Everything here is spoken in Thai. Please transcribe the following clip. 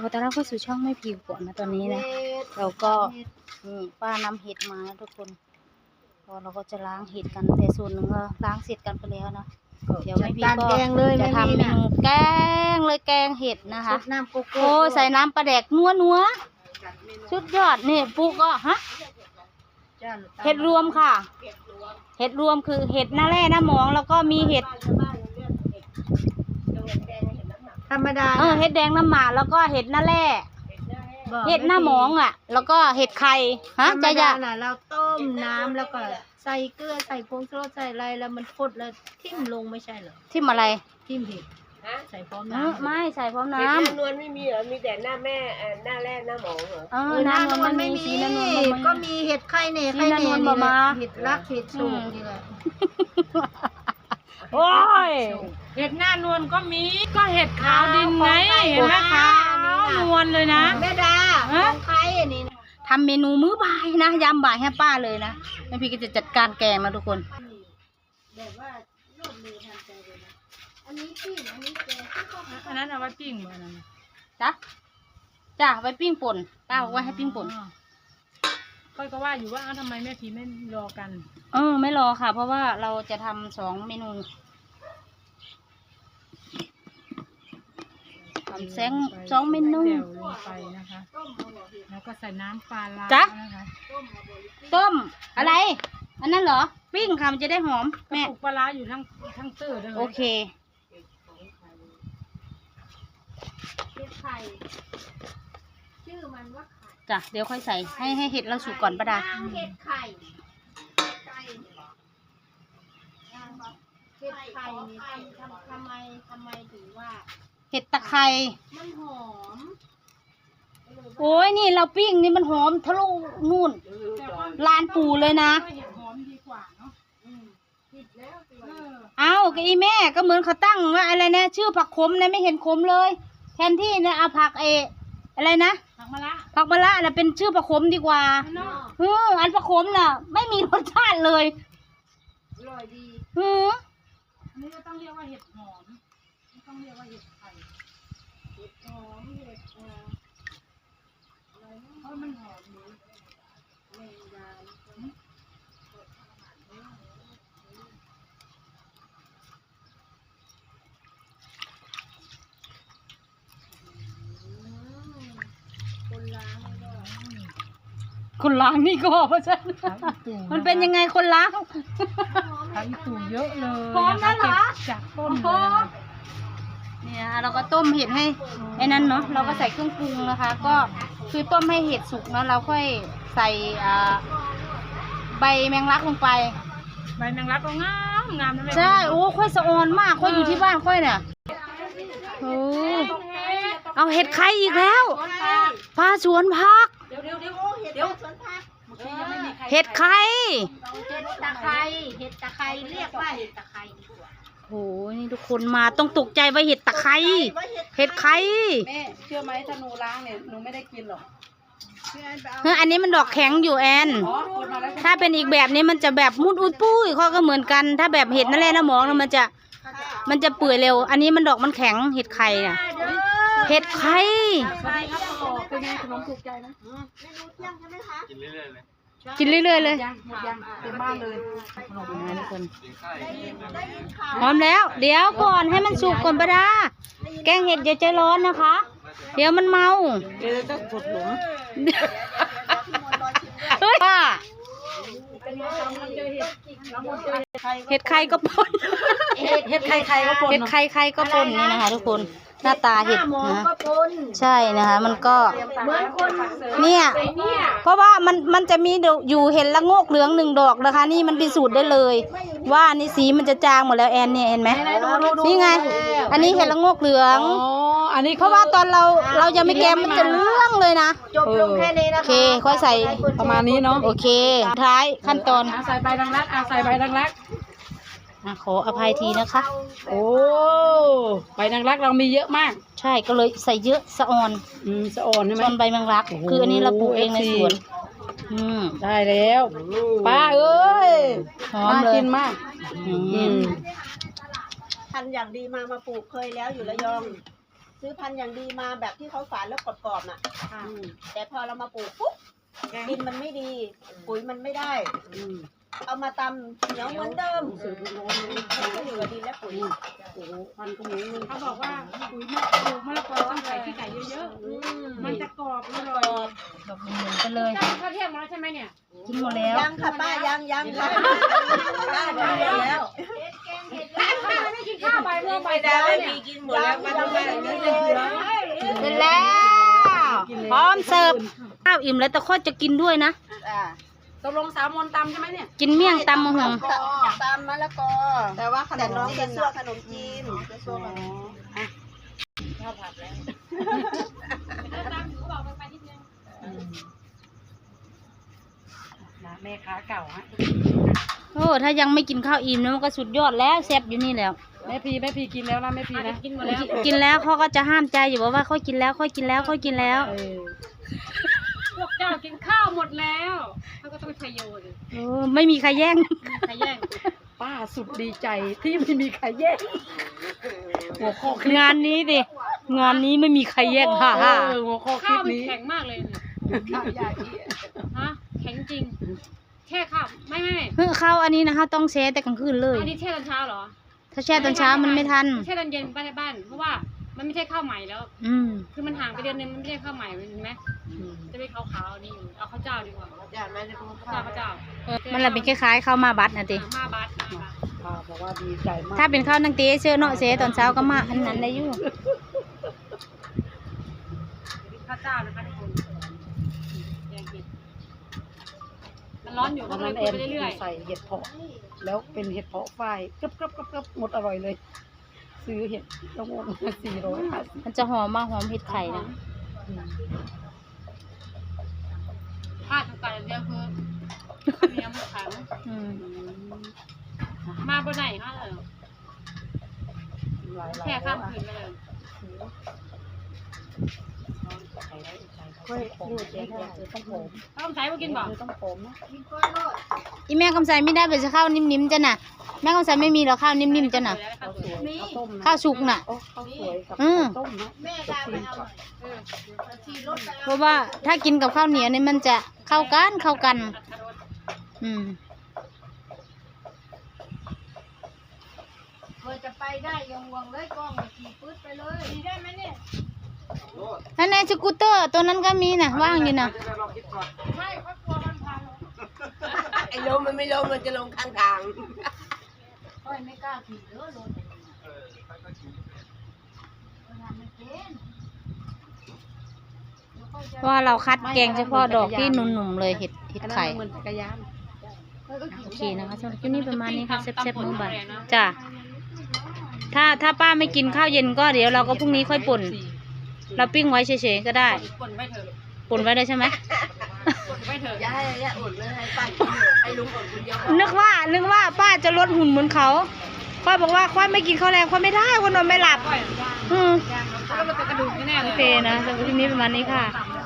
ต้อนรับเข้าสู่ช่องไม่ผิวก่อนนะตอนนี้นะเราก็ป้านำเห็ดมานะทุกคนก็เราก็จะล้างเห็ดกันแต่ส่วนหนึ่งก็ล้างเสร็จกันไปแล้วนะเดี๋ยวไม่ผิวก็จะทำเมนูแกงเลยแกงเห็ดนะคะโอ้ใส่น้ำปลาแดกนัวสุดยอดนี่ปุ๊ก็ฮะเห็ดรวมค่ะเห็ดรวมคือเห็ดหน้าแร่หน้าหมองแล้วก็มีเห็ดธรรมดาเห็ดแดงน้ำหมาแล้วก็เห็ดหน้าแร่เห็ดหน้าหมองอ่ะแล้วก็เห็ดไข่ฮะจะน่ะเราต้มน้ำแล้วก็ใส่เกลือใส่ผงชูรสใส่อะไรแล้วมันฟดแล้วทิ่มลงไม่ใช่เหรอทิ่มอะไรทิ่มเห็ดใส่พร้อมน้ำไม่ใส่พร้อมน้ำเห็ดหน้านวลไม่มีเหรอมีแต่หน้าแม่หน้าแร่หน้าหมองเหรอหน้านวลไม่มีก็มีเห็ดไข่เนี่ยไข่เนี่ยเห็ดรักเห็ดสูงนี่แหละโอ้ยเห็ดหน้านวลก็มีก็เห็ดขาวดินไงเห็นไหมคะนวลเลยนะแม่ดาของใครอันนี้ทำเมนูมื้อบ่ายนะยามบ่ายให้ป้าเลยนะแม่พี่ก็จะจัดการแกงนะทุกคนแบบว่ารวดเร็วทันใจเลยนะอันนี้ปิ้งอันนี้แกงอันนั้นเอาไว้ปิ้งเหมือนนั้นจ้ะไว้ปิ้งป่นป้าบอกว่าให้ปิ้งป่นก็ว่าอยู่ว่าทำไมแม่พีไม่รอกันไม่รอค่ะเพราะว่าเราจะทำ2 เมนูทำ2 เมนูลงไปนะคะแล้วก็ใส่น้ำปลาร้านะคะต้มอะไรอันนั้นเหรอปิ้งค่ะมันจะได้หอมแม่ปลาร้าอยู่ทั้งตื้อเลยโอเคเห็ดไข่ชื่อมันว่าจ้ะเดี๋ยวค่อยใส่ให้เห็ดเราสุกก่อนป้าดาเห็ดไข่เห็ดไข่นี่ทำไมถึงว่าเห็ดตะไคร้มันหอมโอ้ยนี่เราปิ้งนี่มันหอมทะลุนู่นลานปูเลยนะเอากะอีแม่ก็เหมือนเขาตั้งว่าอะไรนะชื่อผักขมนะไม่เห็นขมเลยแทนที่นะเอาผักอะไรนะผักมะระน่ะเป็นชื่อผักขมดีกว่าอันผักขมน่ะไม่มีรสชาติเลยอร่อยดีอันนี้ก็ต้องเรียกว่าเห็ดหอมไม่ต้องเรียกว่าเห็ดไข่เห็ดหอมเห็ดอะไรเพราะมันหอมดีแมงดาคนล้างนี่ก็เพราะฉะนั้นมันเป็นยังไงคนล้างทั้งตู่เยอะเลยพร้อมนั่นเหรอจากต้นเนี่ยเราก็ต้มเห็ดให้ไอ้นั้นเนาะเราก็ใส่เครื่องปรุงนะคะก็คือต้มให้เห็ดสุกเนาะเราค่อยใส่ใบแมงลักลงไปใบแมงลักก็งามนะใช่โอ้ค่อยสะออนมากค่อยอยู่ที่บ้านค่อยเนี่ยโอ้เอาเห็ดไข่อีกแล้วปลาสวนผักเดี๋ยวสวนผักเห็ดไข่เห็ดตะไคร้เรียกว่าเห็ดตะไคร้ดีกว่าโอ้ยนี่ทุกคนมาต้องตกใจว่าเห็ดตะไคร้เห็ดไข่แม่เชื่อไหมถ้าหนูล้างเนี่ยหนูไม่ได้กินหรอกอันนี้มันดอกแข็งอยู่แอนถ้าเป็นอีกแบบนี้มันจะแบบมุดอุดปุ้ยข้อก็เหมือนกันถ้าแบบเห็ดนั่นแหละนะหมองมันจะเปื่อยเร็วอันนี้มันดอกมันแข็งเห็ดไข่น่ะเห็ดไข่เป็นไงขนมถูกใจนะเมนูเที่ยงใช่ไหมคะกินเรื่อยๆเลยเต็มบ้านเลยทุกคนพร้อมแล้วเดี๋ยวก่อนให้มันสุกก่อนป้าดาแกงเห็ดอย่าใจร้อนนะคะเดี๋ยวมันเมาเดี๋ยวจะกดหลุมเฮ้ยเห็ดไข่ก็ปนเห็ดไข่ก็ปนเห็ดไข่ก็ปนนี่นะคะทุกคนหน้าตาเห็ดนะใช่นะคะมันก็เนี่ยเพราะว่ามันจะมีอยู่เห็ดละโงกเหลือง1 ดอกนะคะนี่มันพิสูจน์ได้เลยว่านี่สีมันจะจางหมดแล้วแอนเนี่ยเห็นไหมนี่ไงอันนี้เห็ดละโงกเหลืองอันนี้เพราะว่าตอนเรายังไม่แกมมันจะเรื่องเลยนะจบลงแค่นี้นะคะโอเคค่อยใส่ประมาณนี้เนาะโอเคท้ายขั้นตอนใส่ใบดังรักใส่ใบดังรักขออภัยทีนะคะโอ้ใบนางรักเรามีเยอะมากใช่ก็เลยใส่เยอะสะออนสะออนใช่ไหมส่วนใบแมงลักคืออันนี้เราปลูกเองในสวนได้แล้วป้าเอ้ยหอมเลยกินมากทันอย่างดีมาปลูกเคยแล้วอยู่ระยองซื้อพันธุ์อย่างดีมาแบบที่เขาฝานแล้วกรอบๆน่ะแต่พอเรามาปลูกปุ๊บดินมันไม่ดี ปุ๋ยมันไม่ได้เอามาตำเหนียวเหมือนเดิมมันก็อยู่กับดินและปุ๋ยเขาบอกว่าปุ๋ยมะปลูกมะละกอต้องใส่ขี้ไก่เยอะๆมันจะกรอบอร่อยดอกหมุนๆกันเลยตั้งข้าวเที่ยงมาแล้วใช่ไหมเนี่ยกินหมดแล้วยังค่ะป้ายังค่ะป้าทำแล้วทำไมไม่กินข้าวบ่ายโมงบ่ายไม่ได้สามไม่เนี่มียกินหมดแล้วมาทำไมอย่างนี้เลยเสร็จแล้วพร้อมเสิร์ฟข้าวอิ่มแล้วแต่ข้อจะกินด้วยนะตกลงสาวมนตำใช่ไหมเนี่ยกินเมี่ยงตำมะฮงตามมะละกอแต่ว่าแต่น้องจะซั่วขนมจีนจะซั่วขนมแม่ค้าเก่าฮะโอ้ถ้ายังไม่กินข้าวอิ่มนะมันก็สุดยอดแล้วแซ่บอยู่นี่แล้วแม่พีกินแล้วนะแม่พีนะกินหมดแล้วกินแล้วเขาก็จะห้ามใจอยู่ว่าค่อยกินแล้วค่อยกินแล้วค่อยกินแล้วพวกเจ้ากินข้าวหมดแล้วเขาก็ต้องไปโยนโอ้ไม่มีใครแย่งใครแย่งป้าสุดดีใจที่ไม่มีใครแย่งหัวข้อคลิปงานนี้ดิงานนี้ไม่มีใครแย่งค่ะหัวข้อคลิข้าวปมันนี้แข็งมากเลยเนี่ยข้าวยาอีฮะแข็งจริงแช่ข้าวไม่เพิ่งเข้าอันนี้นะคะต้องแช่แต่กลางคืนเลยอันนี้แช่ตอนเช้าเหรอถ้าแช่ตอนเช้ามันไม่ทันแช่ตอนเย็นบ้านในบ้านเพราะว่ามันไม่ใช่ข้าวใหม่แล้วอืมคือมันห่างไปเดือนนึงมันไม่ใช่ข้าวใหม่เห็นไหมจะเป็นขาวๆนี่อยู่เอาข้าวเจ้าดีกว่าอย่าไม่ได้พูดข้าวเจ้ามันละเป็นคล้ายๆข้าวมาบัดนะติมาบัดป้าบอกว่าดีใจมากถ้าเป็นข้าวนังเตเชื่อเนาะเสตอนเช้าก็มาอันนั้นได้อยู่ข้าวเจ้านะคะทุกคนแยงกินมันร้อนอยู่ก็วันเลนั้ยนคุแอย นไปเรื่อยใส่เห็ดเผาะแล้วเป็นเห็ดเผาะฝ้ายกรึบหมดอร่อยเลย ซื้อเห็ดละงง450 มันจะหอมมากหอมเห็ดไข่นะๆพลาดทุกการเดียวคือเนื้อมันแข็งอืมมาบนไหนคะเลยหลายแค่ข้ามคืนไปเลยเฮ้ยพูดเจ๊ได้ต้องผมถ้าต้องใช้มากินบ่ต้องผมนะอีแม่คำใสไม่ได้เป็นข้าวนิ่มๆจ้ะน่ะแม่คำใสไม่มีหรอกข้าวนิ่มๆจ้ะน่ะข้าวสวยข้าวต้มนะข้าวสุกน่ะโอ้ข้าวสวยกับอืมข้าวต้มนะแม่ดาไปเอาหน่อยขี่รถไปเพราะว่าถ้ากินกับข้าวเหนียวนี่มันจะเข้ากัน อืมเคยจะไปได้ยังวงเลยกล้องขี่ปื๊ดไปเลยได้ไหมเนี่ยนั่นในสกูตเตอร์ตัวนั้นก็มีนะว่างอยู่นะไม่เขากลัวมันพังไอ้ลมมันไม่ลงมันจะลงข้างทางค่อยไม่กล้าขี่เด้อรถงานมันเป็นเพราะว่าเราคัดแกงเฉพาะดอกที่หนุ่มๆเลยเห็ดอันนั้นไข่เหมือนจักรยานโอเคนะคะสำหรับคลิปนี้ประมาณนี้ค่ะแซ่บๆมื้อบ่ายจ้ะถ้าป้าไม่กินข้าวเย็นก็เดี๋ยวเราก็พรุ่งนี้ค่อยป่น เราปิ้งไว้เฉยๆก็ได้ป่นไปเถอะป่นไว้ได้ใช่ไหมป่นไปเถอะอย่าให้อดเลยให้ป้ากินเถอะให้ลุงอดคนเดียวพอนึกว่าป้าจะลดหุ่นเหมือนเขาค่อยบอกว่าค่อยไม่กินข้าวแรงค่อยไม่ได้คนนอนไม่หลับก้อยอืมแล้วมันเป็นกระดูกแน่ๆโอเลยเคนะสำหรับคลิปนี้ประมาณนี้ค่ะต่ำเลย